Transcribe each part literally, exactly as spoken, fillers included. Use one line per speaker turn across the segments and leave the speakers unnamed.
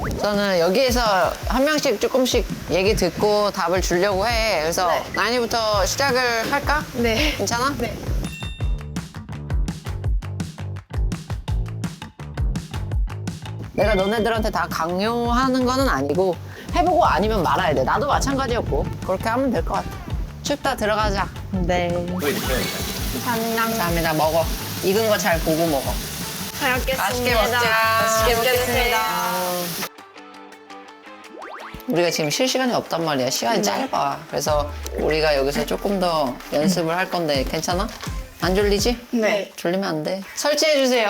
저는 여기에서 한 명씩 조금씩 얘기 듣고 답을 주려고 해. 그래서
네.
나인이부터 시작을 할까?
네.
괜찮아?
네.
내가 너네들한테 다 강요하는 거는 아니고 해보고 아니면 말아야 돼. 나도 마찬가지였고 그렇게 하면 될 것 같아. 춥다 들어가자.
네.
감사합니다.
감사합니다. 먹어. 익은 거 잘 보고 먹어.
잘 먹겠습니다.
맛있게 먹자.
맛있게 먹겠습니다.
우리가 지금 쉴 시간이 없단 말이야. 시간이 짧아. 그래서 우리가 여기서 조금 더 연습을 할 건데 괜찮아? 안 졸리지?
네.
졸리면 안 돼. 설치해주세요.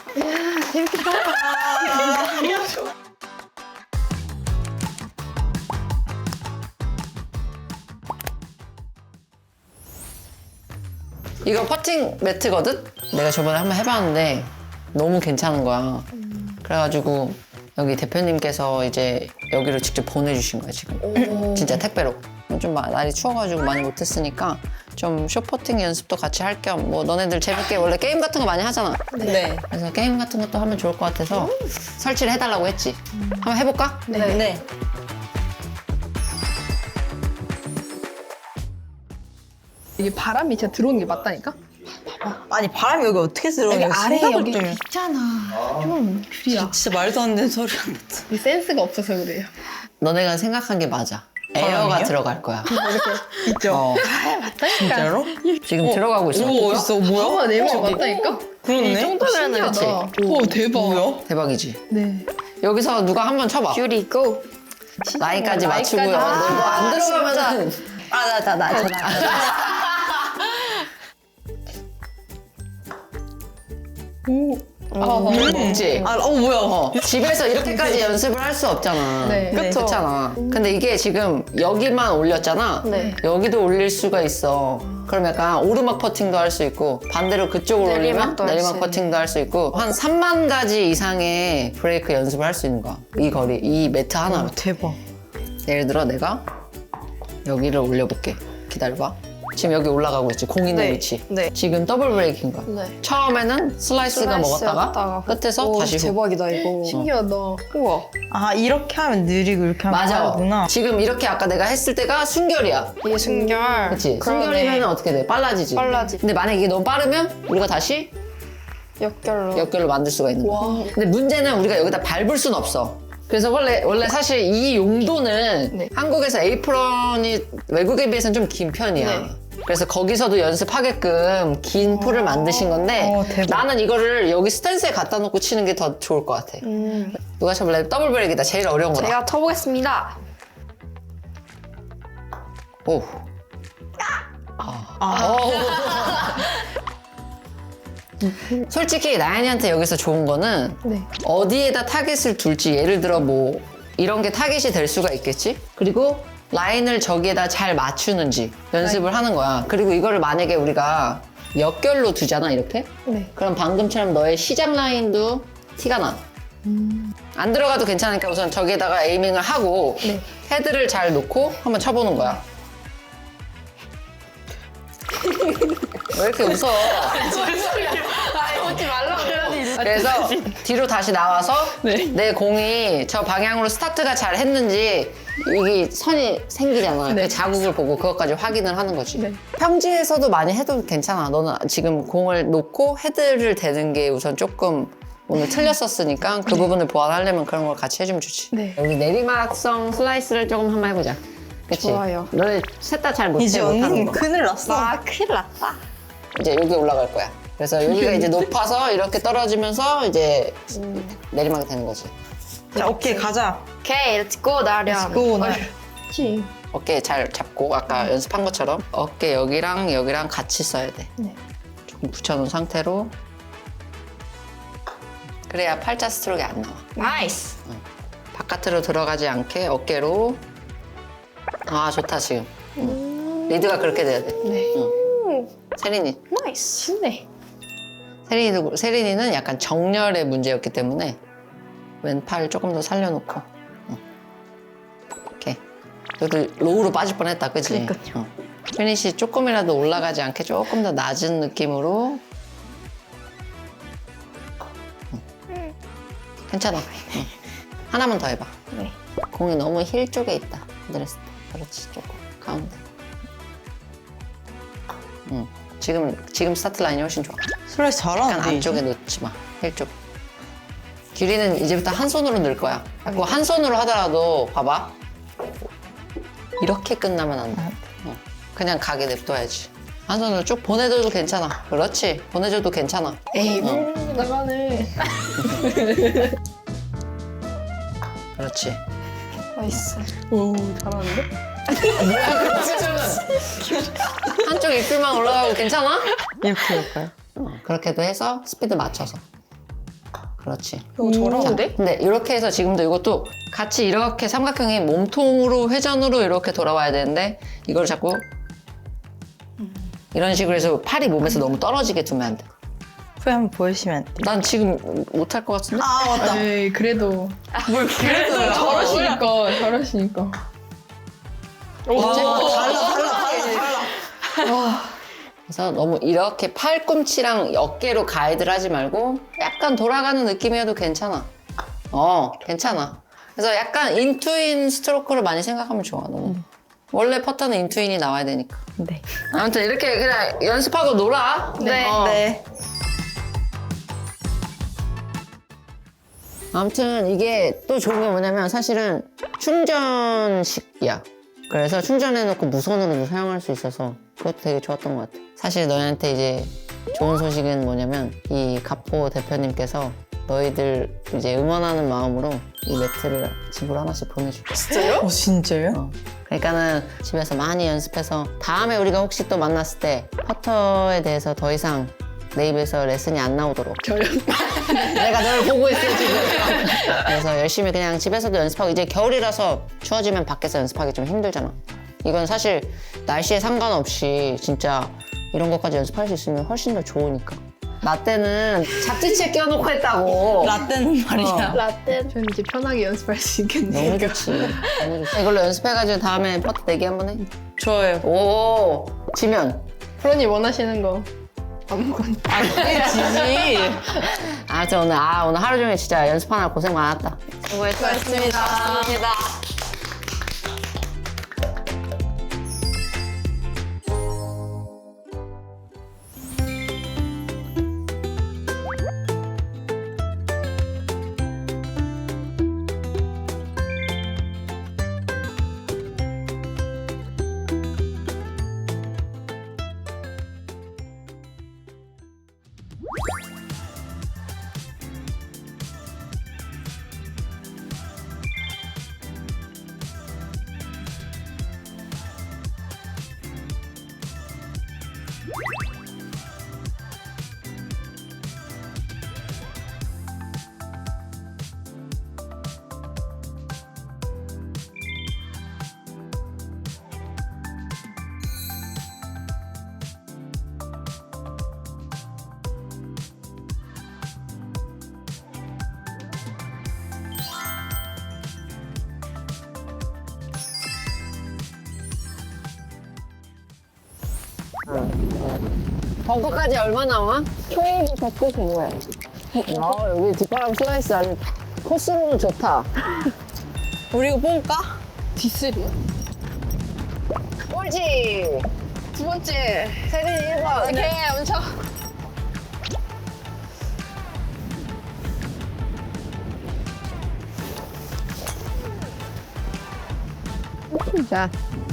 이거 퍼팅 매트거든? 내가 저번에 한번 해봤는데 너무 괜찮은 거야. 그래가지고 여기 대표님께서 이제 여기로 직접 보내주신 거야 지금. 진짜 택배로. 좀 마- 날이 추워가지고 많이 못했으니까 좀 숏퍼팅 연습도 같이 할 겸 뭐 너네들 재밌게 원래 게임 같은 거 많이 하잖아.
네.
그래서 게임 같은 것도 하면 좋을 것 같아서 설치를 해달라고 했지. 한번 해볼까?
네. 네.
이게 바람이 진짜 들어오는 게 맞다니까?
아니 바람이 여기 어떻게 들어오냐?
여기 아래
생각을
여기
좀 해.
있잖아. 좀 줄이야.
진짜 말도 안 되는 소리 한다.
이 센스가 없어서 그래요.
너네가 생각한 게 맞아. 에어가
바람이요?
들어갈 거야.
있죠?
어,
진짜로?
지금 들어가고 있어.
오, 어딨어? 뭐야?
봐봐, 내 말 맞다니까?
그렇네.
이 정도면은
그치?
오, 대박.
뭐야?
대박이지.
네.
여기서 누가 한번 쳐봐.
뷰리 고.
나이까지 맞추고요.
나이까지.
너안
아,
들어가면은
아, 나, 나, 나, 저, 나.
그렇지.
아, 어, 뭐야?
어, 집에서 이렇게까지 연습을 할 수 없잖아.
네.
그쵸.
그렇잖아. 근데 이게 지금 여기만 올렸잖아.
네.
여기도 올릴 수가 있어. 그럼 약간 오르막 퍼팅도 할 수 있고 반대로 그쪽으로 올리면
내리막도 할수
내리막
있는.
퍼팅도 할 수 있고 한 삼만 가지 이상의 브레이크 연습을 할 수 있는 거야. 이 거리, 이 매트 하나로.
대박.
예를 들어 내가 여기를 올려볼게. 기다려봐. 지금 여기 올라가고 있지. 공 있는
네.
위치.
네.
지금 더블 브레이크인 거야.
네.
처음에는 슬라이스가 먹었다가
먹었다가
끝에서
오,
다시 후.
대박이다 이거. 신기하다. 우와.
아, 이렇게 하면 느리고 이렇게 하면
맞아.
빠르구나.
지금 이렇게 아까 내가 했을 때가 순결이야.
이게 순결.
그치?
그러네.
순결이면 어떻게 돼? 빨라지지.
빨라지.
근데 만약에 이게 너무 빠르면 우리가 다시
역결로.
역결로 만들 수가 있는 거야.
와.
근데 문제는 우리가 여기다 밟을 순 없어. 그래서 원래, 원래 사실 이 용도는
네.
한국에서 에이프런이 외국에 비해서는 좀 긴 편이야.
네.
그래서 거기서도 연습하게끔 긴 풀을 만드신 건데
어, 대박.
나는 이거를 여기 스탠스에 갖다 놓고 치는 게 더 좋을 것 같아.
음.
누가 쳐볼래? 더블 브레이크다. 제일 어려운 거다.
제가 쳐보겠습니다.
오.
아,
솔직히 나연이한테 여기서 좋은 거는
네.
어디에다 타겟을 둘지 예를 들어 뭐 이런 게 타겟이 될 수가 있겠지? 그리고 라인을 저기에다 잘 맞추는지 연습을 하는 거야. 그리고 이거를 만약에 우리가 역결로 두잖아 이렇게?
네.
그럼 방금처럼 너의 시작 라인도 티가 나. 안 들어가도 괜찮으니까 우선 저기에다가 에이밍을 하고
네.
헤드를 잘 놓고 한번 쳐보는 거야. 왜 이렇게 웃어?
아, 오지 말라고.
그래서 뒤로 다시 나와서
네.
내 공이 저 방향으로 스타트가 잘 했는지 여기 선이 생기잖아.
네.
그 자국을 보고 그것까지 확인을 하는 거지.
네.
평지에서도 많이 해도 괜찮아. 너는 지금 공을 놓고 헤드를 대는 게 우선 조금 오늘 틀렸었으니까 그 부분을 보완하려면 그런 걸 같이 해주면 좋지.
네.
여기 내리막성 슬라이스를 조금 한번 해보자. 그치?
좋아요.
너네 셋 다 잘 못해
이제
못하는
언니는
거.
큰일 났어.
아, 큰일 났다.
이제 여기 올라갈 거야. 그래서 여기가 이제 높아서 이렇게 떨어지면서 이제 내리막이 되는 거지.
자, 오케이, 가자.
오케이, 렛츠고, 나련.
고, 나.
그치.
어깨 잘 잡고 아까 연습한 것처럼 어깨 여기랑 여기랑 같이 써야 돼.
네.
조금 붙여놓은 상태로 그래야 팔자 스트로크가 안 나와.
나이스.
바깥으로 들어가지 않게 어깨로. 아 좋다 지금. 응. 리드가 그렇게 돼야 돼.
네.
응. 세린이.
나이스. 쉽네.
세린이도 세린이는 약간 정렬의 문제였기 때문에 왼팔 조금 더 살려놓고. 응. 이렇게. 그래도 로우로 빠질 뻔했다, 그치?
그러니까요.
응. 피니시 조금이라도 올라가지 않게 조금 더 낮은 느낌으로. 응. 괜찮아. 응. 하나만 더 해봐.
네.
공이 너무 힐 쪽에 있다. 그랬을 때. 그렇지, 조금. 가운데. 응. 지금, 지금 스타트 라인이 훨씬 좋아.
슬라이스
약간
잘하는데
안쪽에
이제?
놓지 마. 힐 쪽. 규리는 이제부터 한 손으로 넣을 거야. 자꾸 한 손으로 하더라도 봐봐. 이렇게 끝나면 안 돼. 어. 그냥 가게 냅둬야지. 한 손으로 쭉 보내줘도 괜찮아. 그렇지. 보내줘도 괜찮아.
에이,
어.
물 나가네.
그렇지.
나이스.
오 잘하는데?
한쪽 입술만 올라가고 괜찮아?
이렇게 할까요?
어, 그렇게도 해서 스피드 맞춰서. 그렇지.
이거 저러는데?
근데 이렇게 해서 지금도 이것도 같이 이렇게 삼각형이 몸통으로 회전으로 이렇게 돌아와야 되는데 이걸 자꾸 이런 식으로 해서 팔이 몸에서 너무 떨어지게 두면 안 돼.
후에 한번 보여주시면 안 돼요?
난 지금 못할 것 같은데?
아 맞다.
에이, 그래도.
뭘 그래도
저러시니까, 저러시니까.
와 달라 달라 달라 달라.
그래서 너무 이렇게 팔꿈치랑 어깨로 가이드를 하지 말고 약간 돌아가는 느낌이어도 괜찮아. 어, 괜찮아. 그래서 약간 인투인 스트로크를 많이 생각하면 좋아, 너는. 원래 퍼터는 인투인이 나와야 되니까.
네.
아무튼 이렇게 그냥 연습하고 놀아.
네.
어.
네.
아무튼 이게 또 좋은 게 뭐냐면 사실은 충전식이야. 그래서 충전해놓고 무선으로도 사용할 수 있어서 그것도 되게 좋았던 것 같아. 사실 너희한테 이제 좋은 소식은 뭐냐면 이 가포 대표님께서 너희들 이제 응원하는 마음으로 이 매트를 집으로 하나씩 보내줄게.
진짜요?
어 진짜요?
어. 그러니까는 집에서 많이 연습해서 다음에 우리가 혹시 또 만났을 때 퍼터에 대해서 더 이상 내 입에서 레슨이 안 나오도록
저요?
내가 널 보고 있어 지금. 그래서 열심히 그냥 집에서도 연습하고 이제 겨울이라서 추워지면 밖에서 연습하기 좀 힘들잖아. 이건 사실 날씨에 상관없이 진짜 이런 것까지 연습할 수 있으면 훨씬 더 좋으니까. 나 때는 잡지책 껴놓고 했다고.
라떼는 말이야.
라떼. 저는 이제 편하게 연습할 수 있겠네요.
너무 좋지. 너무 좋지. 이걸로 연습해가지고 다음에 퍼트 내기 한번 해.
좋아요.
오, 지면.
프로님 원하시는 거 아무거나.
아 지지.
아무튼 오늘 아 오늘 하루 종일 진짜 연습하느라 고생 많았다. 수고했습니다.
고맙습니다.
벙커까지 얼마 나와? 초이도 걷고 그거야. 아 여기 뒷바람 슬라이스 아주 코스로는 좋다.
우리 이거 뽑을까?
디스리요?
꼴찌!
두 번째.
세빈이 일 번.
오케이, 엄청.
자.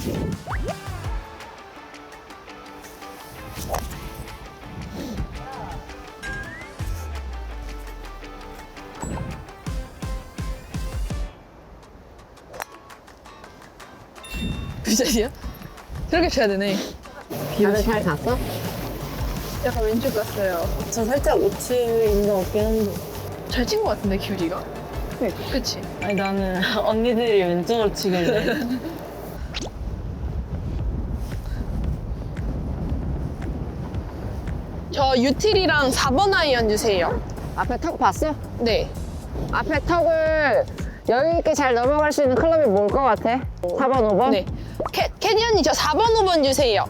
그 자리야? 저렇게 쳐야 되네.
다들 잘 갔어?
약간 왼쪽 갔어요.
저 살짝 우측인 것 같긴 한데.
잘 친 것 같은데, 기울이가? 네. 그치?
아니 나는 언니들이 왼쪽으로 치길래.
저 유틸이랑 사 번 아이언 주세요.
앞에 턱 봤어?
네.
앞에 턱을 여유 있게 잘 넘어갈 수 있는 클럽이 뭘 것 같아? 사 번, 오 번?
네. 캐, 캐디 언니 저 사 번, 오 번 주세요.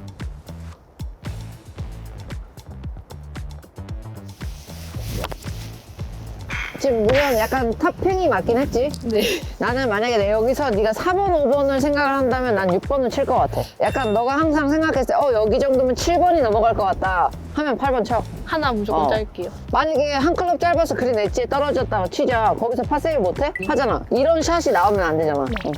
지금 물론 약간 탑핑이 맞긴 했지.
네.
나는 만약에 내 여기서 네가 사 번, 오 번을 생각을 한다면 난 육 번을 칠 것 같아. 약간 너가 항상 생각했을 때 어 여기 정도면 칠 번이 넘어갈 것 같다 하면 팔 번 쳐.
하나 무조건
어.
짤게요.
만약에 한 클럽 짧아서 그린 엣지에 떨어졌다고 치자. 거기서 파세이브 못해? 하잖아. 이런 샷이 나오면 안 되잖아. 응.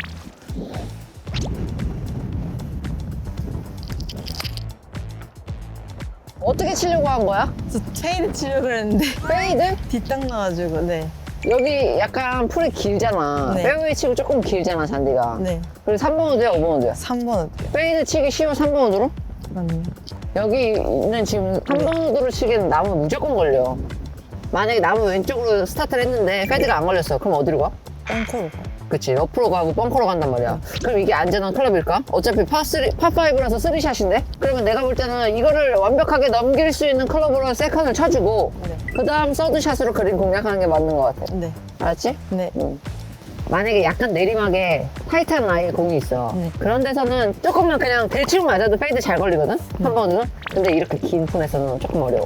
어떻게 치려고 한 거야?
저 페이드 치려고 그랬는데
페이드?
뒷땅 나가지고 네.
여기 약간 풀이 길잖아.
네.
페어웨이 치고 조금 길잖아, 잔디가.
네.
그리고 삼 번 우드야, 오 번 우드야?
삼 번 어때요?
페이드 치기 쉬워, 삼 번 우드로?
그럼요.
여기는 지금 삼 번 우드로 치기에는 나무 무조건 걸려. 만약에 나무 왼쪽으로 스타트를 했는데 페이드가 안 걸렸어. 그럼 어디로 가?
뻥커로 가.
그치, 옆으로 가고 벙커로 간단 말이야. 그럼 이게 안전한 클럽일까? 어차피 파쓰리, 파파이브라서 쓰리샷인데? 그러면 내가 볼 때는 이거를 완벽하게 넘길 수 있는 클럽으로 세컨을 쳐주고
네.
그 다음 서드샷으로 그린 공략하는 게 맞는 것 같아.
네.
알았지?
네.
응. 만약에 약간 내리막에 타이트한 라인 공이 있어.
네.
그런 데서는 조금만 그냥 대충 맞아도 페이드 잘 걸리거든? 한 번은? 근데 이렇게 긴 폰에서는 조금 어려워.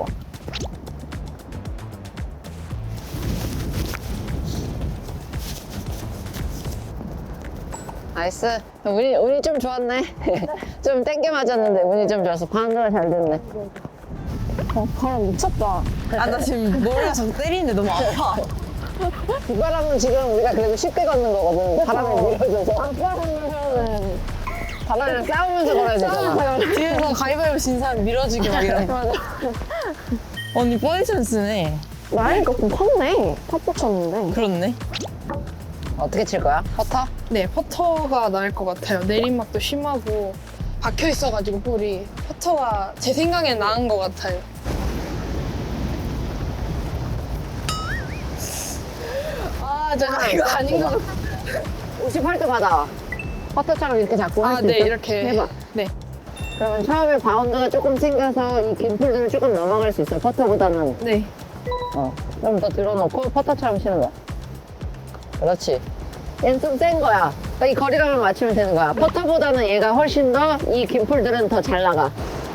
나이스. 운이, 운이 좀 좋았네. 좀 땡겨 맞았는데 운이 좀 좋아서 방어가 잘 됐네. 어, 바람 미쳤다.
아, 나 지금 머리가 자꾸 때리는데 너무 아파.
이 바람은 지금 우리가 그래도 쉽게 걷는 거거든. 바람에 밀어줘서. 바람은 바람이랑 싸우면서 걸어야 되잖아.
뒤에서 가위바위보 진 사람 밀어주기 막 이런 거. 언니 포지션 쓰네.
나이가 좀 컸네. 탑도 쳤는데.
그렇네.
어떻게 칠 거야? 퍼터?
네, 퍼터가 나을 것 같아요. 내리막도 심하고 박혀 있어가지고 볼이 퍼터가 제 생각엔 나은 것 같아요. 아, 저 이거 아닌 것 같아.
오십팔 도 받아. 퍼터처럼 이렇게 잡고 할
아,
수
네,
있어?
이렇게.
해봐.
네.
그러면 처음에 바운드가 조금 생겨서 이 긴 풀들을 조금 넘어갈 수 있어. 퍼터보다는.
네.
어. 좀 더 들어놓고 퍼터처럼 치는 거야. 그렇지. 얘는 좀 센 거야. 그러니까 이 거리감을 맞추면 되는 거야. 퍼터보다는 얘가 훨씬 더 이 긴 풀들은 더 잘 나가.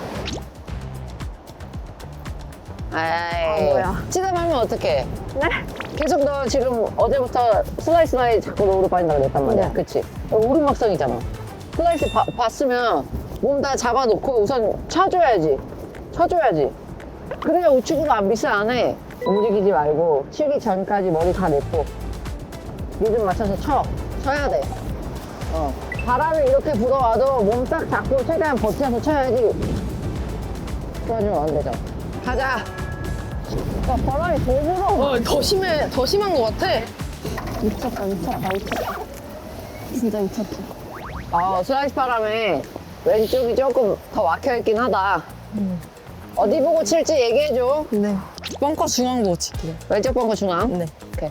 아이.
뭐야.
치다 말면 어떡해? 네? 계속 너 지금 어제부터 슬라이스 라인 자꾸 로우로 빠진다고 그랬단 말이야.
네.
그치? 오르막성이잖아. 슬라이스 봐- 봤으면 몸 다 잡아놓고 우선 쳐줘야지. 쳐줘야지. 그래야 우측으로 안 미스 안 해. 움직이지 말고 치기 전까지 머리 다 냈고 리듬 맞춰서 쳐. 쳐야 돼. 어. 바람이 이렇게 불어와도 몸 딱 잡고 최대한 버텨서 쳐야지. 그러면 안 되잖아. 가자. 야, 바람이 더 불어.
어, 더 심해, 더 심한 것 같아.
미쳤다, 미쳤다, 미쳤다. 진짜 미쳤다. 아, 슬라이스 바람에 왼쪽이 조금 더 막혀있긴 하다. 어디 보고 칠지 얘기해줘.
네. 뻥커 중앙 보고 칠게요.
왼쪽 벙커 중앙.
네.
오케이.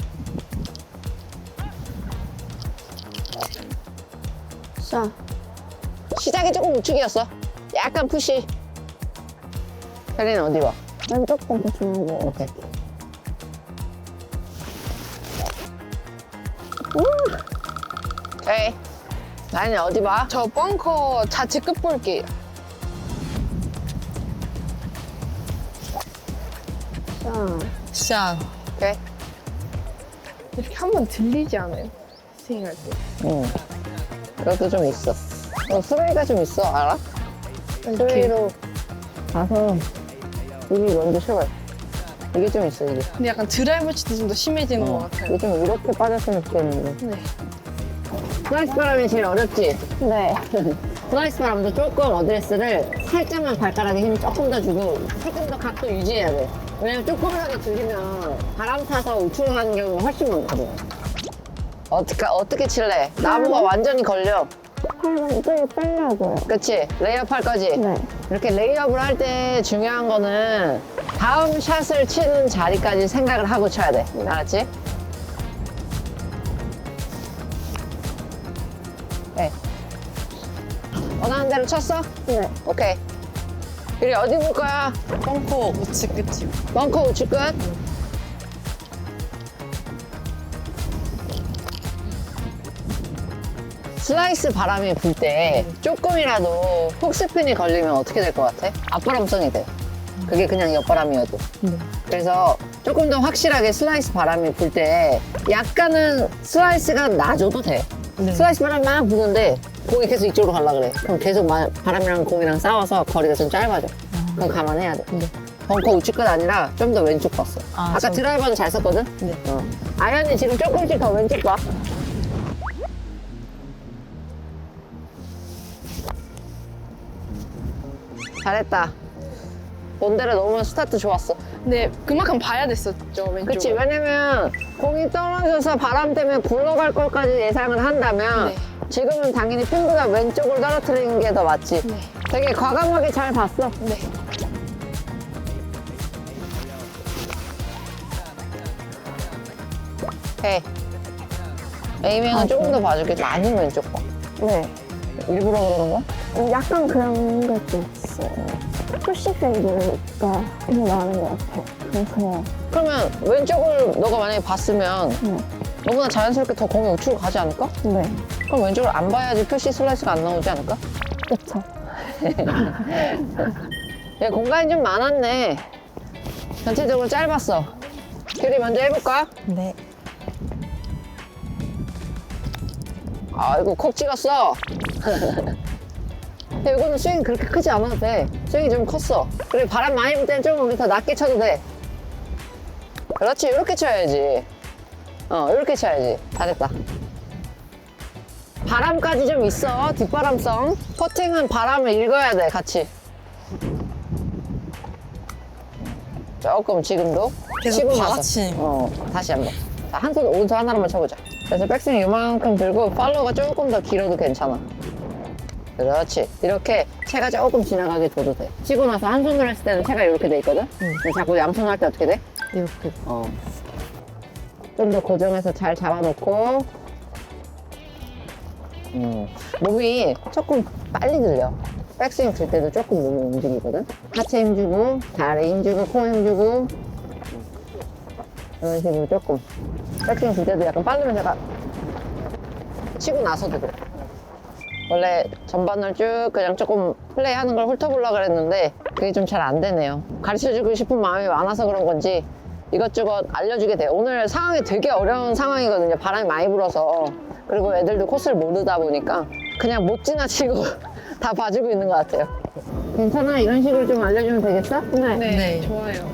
자. 시작이 조금 우측이었어. 약간 푸시. 혜리는 어디 봐? 왼쪽 벙커 중앙. 오케이. 음. 오케이. 나는 어디 봐?
저 벙커 좌측 끝 볼게요.
샷.
오케이.
이렇게 한 번 들리지 않아요? 스윙할 때.
응. 그것도 좀 있어. 어, 스웨이가 좀 있어, 알아? 스웨이로 가서 이미 먼저 쳐봐요. 이게 좀 있어, 이게.
근데 약간 드라이브 치도 좀 더 심해지는 것 같아요.
이게 좀 이렇게 빠졌으면 좋겠는데.
네.
슬라이스 바람이 제일 어렵지? 네. 슬라이스 바람도 조금 어드레스를 살짝만 발가락에 힘 조금 더 주고 조금 더 각도 유지해야 돼. 왜냐면 조금이라도 들리면 바람 타서 우측으로 가는 경우가 훨씬 많거든. 어떻게, 어떻게 칠래? 나무가 완전히 걸려.
팔만 이쪽에 빼려고요.
그치? 레이업 할 거지?
네.
이렇게 레이업을 할 때 중요한 거는 다음 샷을 치는 자리까지 생각을 하고 쳐야 돼. 알았지? 네. 원하는 대로 쳤어?
네.
오케이. 그리 어디 볼 거야?
뻥커 우측 끝이요.
벙커 우측 끝? 슬라이스 바람이 불 때 조금이라도 훅스핀이 걸리면 어떻게 될 것 같아? 앞바람성이 돼. 그게 그냥 옆바람이어도.
네.
그래서 조금 더 확실하게 슬라이스 바람이 불 때 약간은 슬라이스가 나줘도 돼. 슬라이스 바람이 막 부는데 공이 계속 이쪽으로 가려고 그래. 그럼 계속 마- 바람이랑 공이랑 싸워서 거리가 좀 짧아져. 그럼 감안해야 돼. 벙커 우측 끝 아니라 좀 더 왼쪽 봤어.
아,
아, 까
저-
드라이버는 잘 썼거든?
네.
어. 아연이 지금 조금씩 더 왼쪽 봐. 잘했다. 본대로 넣으면 스타트 좋았어.
근데 그만큼 봐야 됐었죠, 왼쪽.
그치, 왜냐면 공이 떨어져서 바람 때문에 굴러갈 것까지 예상을 한다면
네.
지금은 당연히 핀보다 왼쪽을 떨어뜨리는 게 더 맞지.
네.
되게 과감하게 잘 봤어.
네.
오케이. 에이밍은 조금 더 봐줄게. 많이 왼쪽 봐.
네.
일부러 그러는 거야?
약간 그런 것도 있어요. 푸시 페이드가 더 나는 것 같아요. 그래서
그러면 왼쪽을 너가 만약에 봤으면
네.
너무나 자연스럽게 더 공이 우측으로 가지 않을까?
네.
그럼 왼쪽을 안 봐야지 표시 슬라이스가 안 나오지 않을까?
그쵸.
얘 공간이 좀 많았네. 전체적으로 짧았어. 규리 먼저 해볼까?
네.
아이고 콕 찍었어. 근데 이거는 스윙 그렇게 크지 않아도 돼. 스윙이 좀 컸어. 그리고 바람 많이 불 때는 좀 우리 더 낮게 쳐도 돼. 그렇지, 이렇게 쳐야지. 어, 이렇게 쳐야지. 잘했다. 바람까지 좀 있어, 뒷바람성. 퍼팅은 바람을 읽어야 돼, 같이. 조금 지금도.
계속
치고 나서.
받아치는
어, 다시 한 번. 자, 한 손, 오른손 하나로만 쳐보자. 그래서 백스윙 이만큼 들고 팔로우가 조금 더 길어도 괜찮아. 그렇지. 이렇게 채가 조금 지나가게 줘도 돼. 치고 나서 한 손으로 했을 때는 채가 이렇게 돼 있거든? 근데 자꾸 양손 할 때 어떻게 돼?
이렇게.
어. 좀 더 고정해서 잘 잡아놓고. 음. 몸이 조금 빨리 들려. 백스윙 들 때도 조금 몸이 움직이거든? 하체 힘주고, 다리 힘주고, 코 힘주고. 이런 식으로 조금. 백스윙 들 때도 약간 빠르면 제가 치고 나서도 그래. 원래 전반을 쭉 그냥 조금 플레이하는 걸 훑어보려고 그랬는데 그게 좀 잘 안 되네요. 가르쳐주고 싶은 마음이 많아서 그런 건지 이것저것 알려주게 돼요. 오늘 상황이 되게 어려운 상황이거든요. 바람이 많이 불어서. 그리고 애들도 코스를 모르다 보니까 그냥 못 지나치고 다 봐주고 있는 것 같아요. 괜찮아? 이런 식으로 좀 알려주면 되겠어?
네.
네.
네.
좋아요.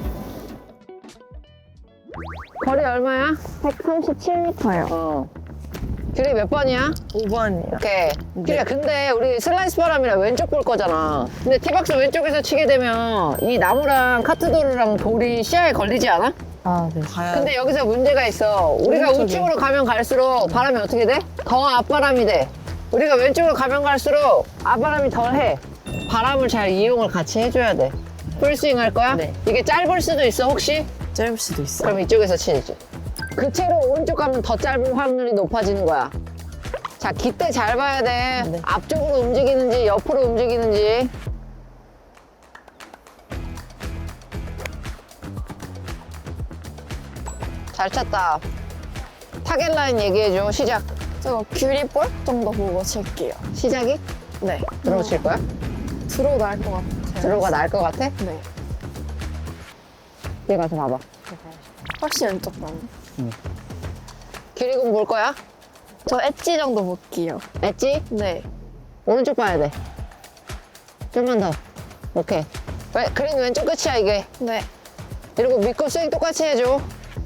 거리 얼마야?
백삼십칠 미터요.
어. 길이 몇 번이야?
오 번이요.
오케이. 길이야, 근데 우리 슬라이스 바람이라 왼쪽 볼 거잖아. 근데 티박스 왼쪽에서 치게 되면 이 나무랑 카트도르랑 돌이 시야에 걸리지 않아?
아, 네. 가야
근데 여기서 문제가 있어. 우리가
오른쪽에.
우측으로 가면 갈수록 바람이 어떻게 돼? 더 앞바람이 돼. 우리가 왼쪽으로 가면 갈수록 앞바람이 덜 해. 바람을 잘 이용을 같이 해줘야 돼. 풀스윙 할 거야?
네.
이게 짧을 수도 있어, 혹시?
짧을 수도 있어요.
그럼 이쪽에서 치지. 그 채로 오른쪽 가면 더 짧은 확률이 높아지는 거야. 자, 기대 잘 봐야 돼.
네.
앞쪽으로 움직이는지 옆으로 움직이는지. 잘 쳤다. 타겟 라인 얘기해줘. 시작.
저 귤이볼 정도 보고 칠게요.
시작이?
네.
들어오 칠 거야?
들어 나을 것 같아요.
들어가 나을 것 같아?
네.
뒤에 가서 봐봐.
훨씬 왼쪽 방.
길이공 볼 거야?
저 엣지 정도 볼게요.
엣지?
네.
오른쪽 봐야 돼. 좀만 더. 오케이. 왜, 그린 왼쪽 끝이야, 이게.
네.
이러고 믿고 스윙 똑같이 해줘.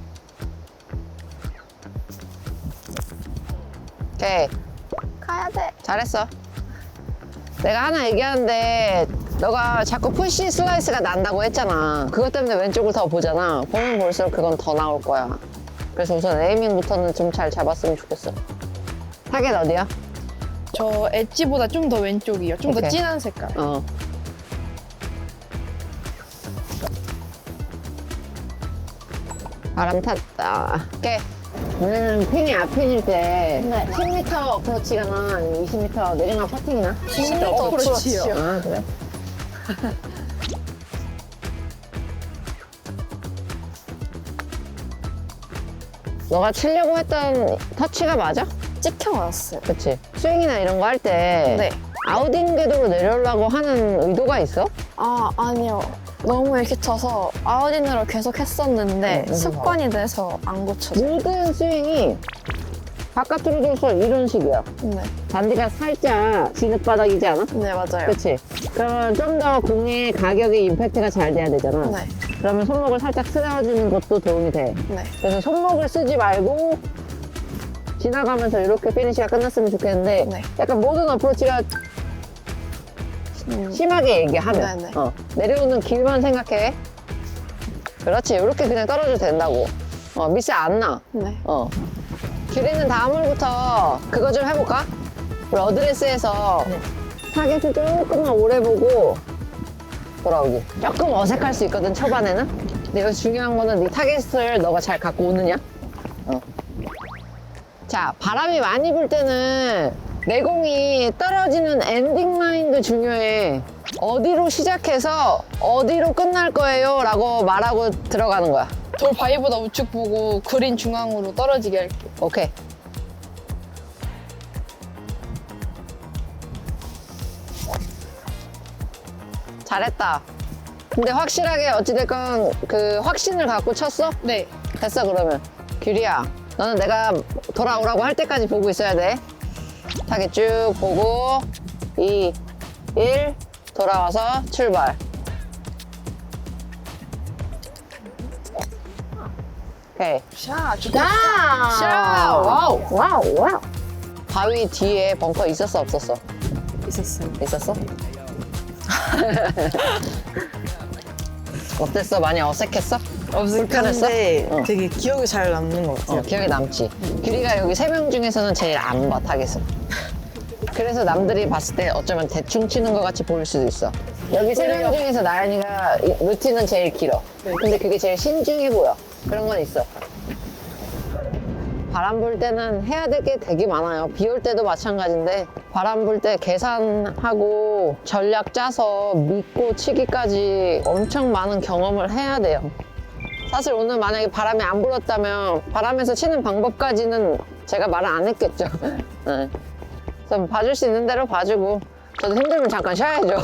오케이.
가야 돼.
잘했어. 내가 하나 얘기하는데 너가 자꾸 푸시 슬라이스가 난다고 했잖아. 그것 때문에 왼쪽을 더 보잖아. 보면 볼수록 그건 더 나올 거야. 그래서 우선 에이밍부터는 좀 잘 잡았으면 좋겠어. 타겟 어디야?
저 엣지보다 좀 더 왼쪽이요. 좀 더
오케이.
진한 색깔.
어. 바람 탔다. 오케이. 오늘은 핀이 앞핀일 때
네.
십 미터 어프로치가나 아니면 이십 미터 내리막 퍼팅이나?
십 미터 어프로치요.
아, 그래? 너가 치려고 했던 터치가 맞아?
찍혀왔어요.
그치? 스윙이나 이런 거 할 때
네.
아웃인 궤도로 내려오려고 하는 의도가 있어?
아, 아니요. 너무 이렇게 쳐서 아웃인으로 계속 했었는데
네,
습관이 돼서 안 고쳐져.
모든 스윙이 바깥으로 돌서 이런 식이야.
네,
반대가 살짝 진흙바닥이지 않아?
네 맞아요.
그치? 그러면 좀 더 공의 가격의 임팩트가 잘 돼야 되잖아.
네,
그러면 손목을 살짝 쓰다듬는 것도 도움이 돼.
네.
그래서 손목을 쓰지 말고 지나가면서 이렇게 피니시가 끝났으면 좋겠는데
네.
약간 모든 어프로치가
음,
심하게 얘기하면
네네.
어, 내려오는 길만 생각해. 그렇지. 이렇게 그냥 떨어져도 된다고. 어, 미스 안 나.
네.
어. 규리는 다음 홀부터 그거 좀 해볼까? 우리 어드레스에서 타겟을 조금만 오래 보고 돌아오기. 조금 어색할 수 있거든, 초반에는. 근데 여기 중요한 거는 네 타겟을 너가 잘 갖고 오느냐? 어. 자, 바람이 많이 불 때는 내공이 떨어지는 엔딩 라인도 중요해. 어디로 시작해서 어디로 끝날 거예요? 라고 말하고 들어가는 거야.
돌 바위보다 우측 보고 그린 중앙으로 떨어지게 할게요.
오케이. 잘했다. 근데 확실하게 어찌됐건 그 확신을 갖고 쳤어?
네.
됐어, 그러면. 규리야, 너는 내가 돌아오라고 할 때까지 보고 있어야 돼. 타겟 쭉 보고 이, 일 돌아와서 출발. 오케이.
샤,
자!
샤, 와우.
와우, 와우. 바위 뒤에 벙커 있었어, 없었어?
있었어요.
있었어? 어땠어? 많이 어색했어? 불편했어?
어색한데
어.
되게 기억이 잘 남는 것 같아요.
어, 기억에 남지. 규리가 여기 세 명 중에서는 제일 안 봐, 타겟을. 그래서 남들이 봤을 때 어쩌면 대충 치는 것 같이 보일 수도 있어. 여기 세 명 중에서 나연이가 이 루틴은 제일 길어. 근데 그게 제일 신중해 보여. 그런 건 있어. 바람 불 때는 해야 될 게 되게 많아요. 비 올 때도 마찬가지인데 바람 불 때 계산하고 전략 짜서 믿고 치기까지 엄청 많은 경험을 해야 돼요. 사실 오늘 만약에 바람이 안 불었다면 바람에서 치는 방법까지는 제가 말을 안 했겠죠. 네. 그래서 봐줄 수 있는 대로 봐주고 저도 힘들면 잠깐 쉬어야죠.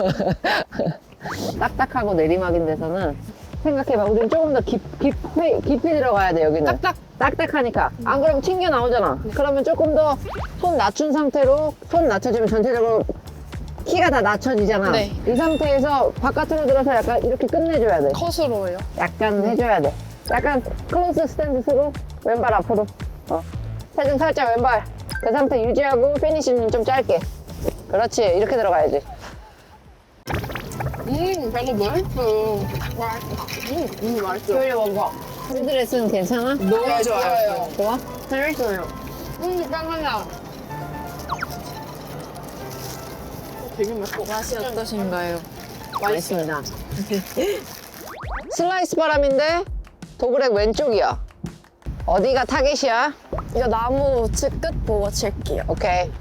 딱딱하고 내리막인 데서는 생각해봐. 우리는 조금 더 깊, 깊이, 깊이 들어가야 돼, 여기는.
딱딱.
딱딱하니까. 안 그러면 튕겨 나오잖아. 그러면 조금 더 손 낮춘 상태로 손 낮춰주면 전체적으로 키가 다 낮춰지잖아.
네.
이 상태에서 바깥으로 들어서 약간 이렇게 끝내줘야 돼.
컷으로요.
약간 해줘야 돼. 약간 클로스 스탠스로 왼발 앞으로. 어. 체중 살짝 왼발. 그 상태 유지하고 피니시는 좀 짧게. 그렇지. 이렇게 들어가야지.
음, 별로 맛있어요. 맛있어. 음, 음, 맛있어.
교리 먹어. 핸드레스는 괜찮아?
너무 좋아요.
좋아? 재밌어요.
음, 짱나냐. 되게 맛있어.
맛이 어떠신가요?
맛있습니다. 슬라이스 바람인데 도그렉 왼쪽이야. 어디가 타겟이야?
이거 나무 우측 끝 보고 칠게요.
오케이.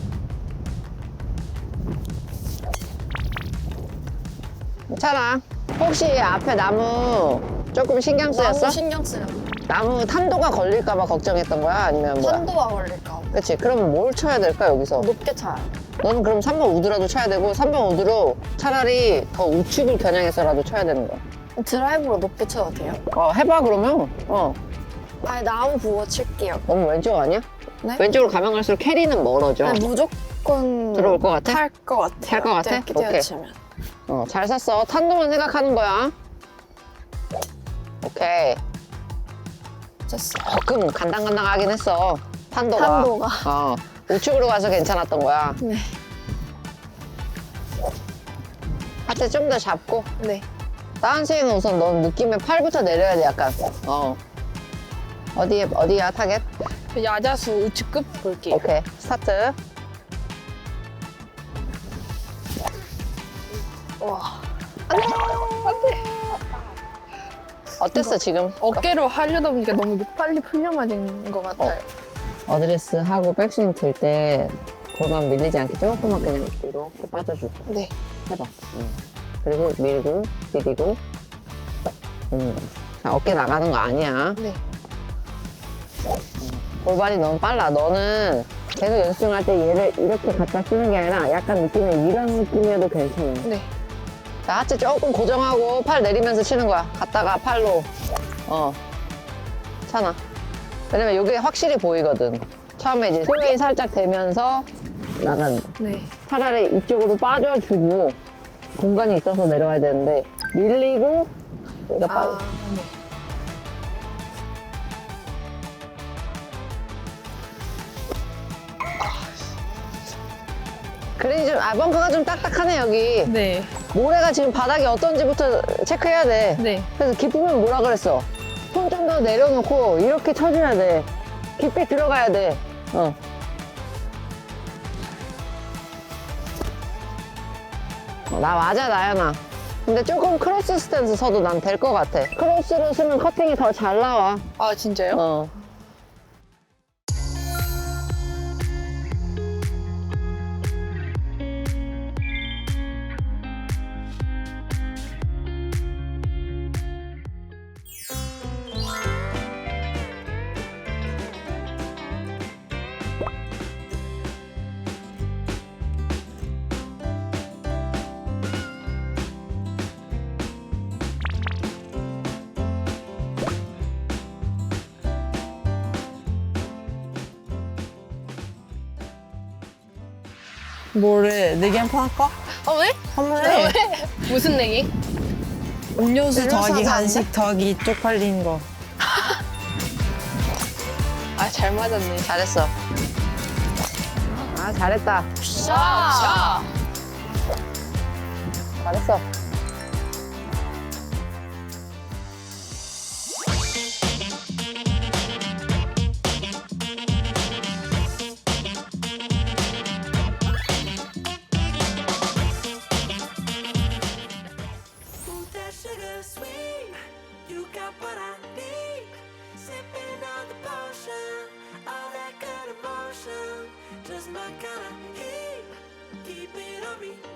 괜찮아. 혹시 앞에 나무 조금 신경 쓰였어?
나무 신경 쓰여.
나무 탄도가 걸릴까봐 걱정했던 거야? 아니면 뭐야?
탄도가 걸릴까 봐.
그치. 그러면 뭘 쳐야 될까, 여기서?
높게 차요.
너는 그럼 삼 번 우드라도 쳐야 되고, 삼 번 우드로 차라리 더 우측을 겨냥해서라도 쳐야 되는 거야.
드라이브로 높게 쳐도 돼요?
어, 해봐, 그러면. 어.
아니 나무 보고 칠게요.
너무 왼쪽 아니야?
네?
왼쪽으로 가면 갈수록 캐리는 멀어져.
아니, 무조건
들어올 것 같아?
탈 것 같아요.
탈것 같아?
이렇게
오케이.
뛰어치면.
어, 잘 샀어. 탄도만 생각하는 거야. 오케이.
됐어.
조금 간당간당하긴 했어. 탄도가.
탄도가.
어, 우측으로 가서 괜찮았던 거야.
네.
하체 좀 더 잡고.
네.
다운스윙은 우선 넌 느낌에 팔부터 내려야 돼, 약간. 어. 어디에, 어디야, 타겟?
그 야자수 우측 끝 볼게요.
오케이. 스타트.
와.
어땠어, 지금?
어깨로 하려다 보니까 너무 빨리 풀려맞은 것 같아요.
어드레스 하고 백스윙 들 때 골반 밀리지 않게 조금만 그냥 이렇게 빠져주고.
네.
해봐. 음. 그리고 밀고, 디디고. 음. 자, 어깨 나가는 거 아니야.
네.
골반이 너무 빨라. 너는 계속 연습할 때 얘를 이렇게 갖다 쓰는 게 아니라 약간 느낌이 이런 느낌이어도 괜찮아.
네.
자, 하체 조금 고정하고 팔 내리면서 치는 거야. 갔다가 팔로. 어. 차나. 왜냐면 이게 확실히 보이거든. 처음에 이제 스웨이 살짝 대면서 나가는 거.
네.
차라리 이쪽으로 빠져주고 공간이 있어서 내려와야 되는데 밀리고 여기가 빠져.
아, 네.
그린이 좀, 아, 벙커가 좀 딱딱하네, 여기.
네.
모래가 지금 바닥이 어떤지부터 체크해야 돼.
네.
그래서 깊으면 뭐라 그랬어? 손 좀 더 내려놓고 이렇게 쳐줘야 돼. 깊게 들어가야 돼. 어. 어, 나 맞아, 나연아. 근데 조금 크로스 스탠스 서도 난 될 것 같아. 크로스로 쓰면 커팅이 더 잘 나와.
아, 진짜요?
어.
뭐래? 내기 한 판 할까?
어, 왜?
한번 해.
무슨 내기?
음료수 더하기
하지
간식 더하기 쪽팔린 거.
아, 잘 맞았네.
잘했어. 아, 잘했다.
샤!
잘했어.
Ooh, that sugar sweet. You got what I need. Sipping on the potion, all that good emotion. Just my kind of heat. Keep it on repeat.